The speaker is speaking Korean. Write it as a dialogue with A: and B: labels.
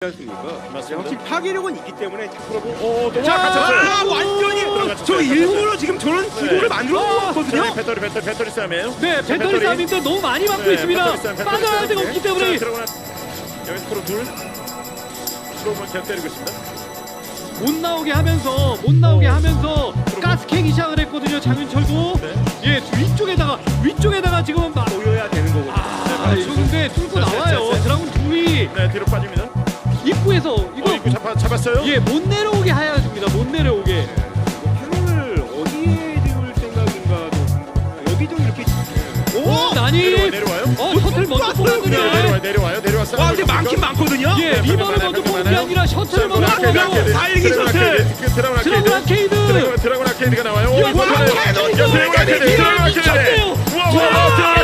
A: 않습니까?
B: 맞습니다.
A: 확실히 파괴력은 있기 때문에 자꾸
B: 너무
C: 자,
B: 갇혔어요.
A: 완전히 저 일부러 지금 저런 기도를 만들어 놓은 거거든요.
B: 배터리 싸움이에요.
C: 네, 배터리 싸움인데 너무 많이 막고 있습니다. 빠져나갈 데가 없기 때문에
B: 여기 프로 둘. 프로만 계속 때리고 있습니다.
C: 못 나오게 하면서 가스캐기 시작을 했거든요. 장윤철도 예 위쪽에다가 지금 막
A: 보여야 되는 거거든요.
C: 이거 근데 뚫고 나와요. 드라군 둘이
B: 네, 뒤로 빠집니다.
C: 입구에서 이거
B: 입구 잡았어요.
C: 예 못 내려오게 해야 됩니다. 못 내려오게.
A: 패널을 어디에 지을 생각인가도 여기 좀 이렇게
C: 오 나니
B: 내려와요.
C: 셔틀 먼저 뽑았는데
B: 내려왔어요.
A: 와 근데 많긴 많거든요.
C: 예 리버를 먼저 뽑은 게 아니라 셔틀을 먼저 뽑고
A: 달리기 셔틀.
C: 드라군 아케이드
B: 드라군 아케이드가 나와요.
A: 드라군 아케이드.
B: 드라군 아케이드.
C: 미쳤네요.
B: 와,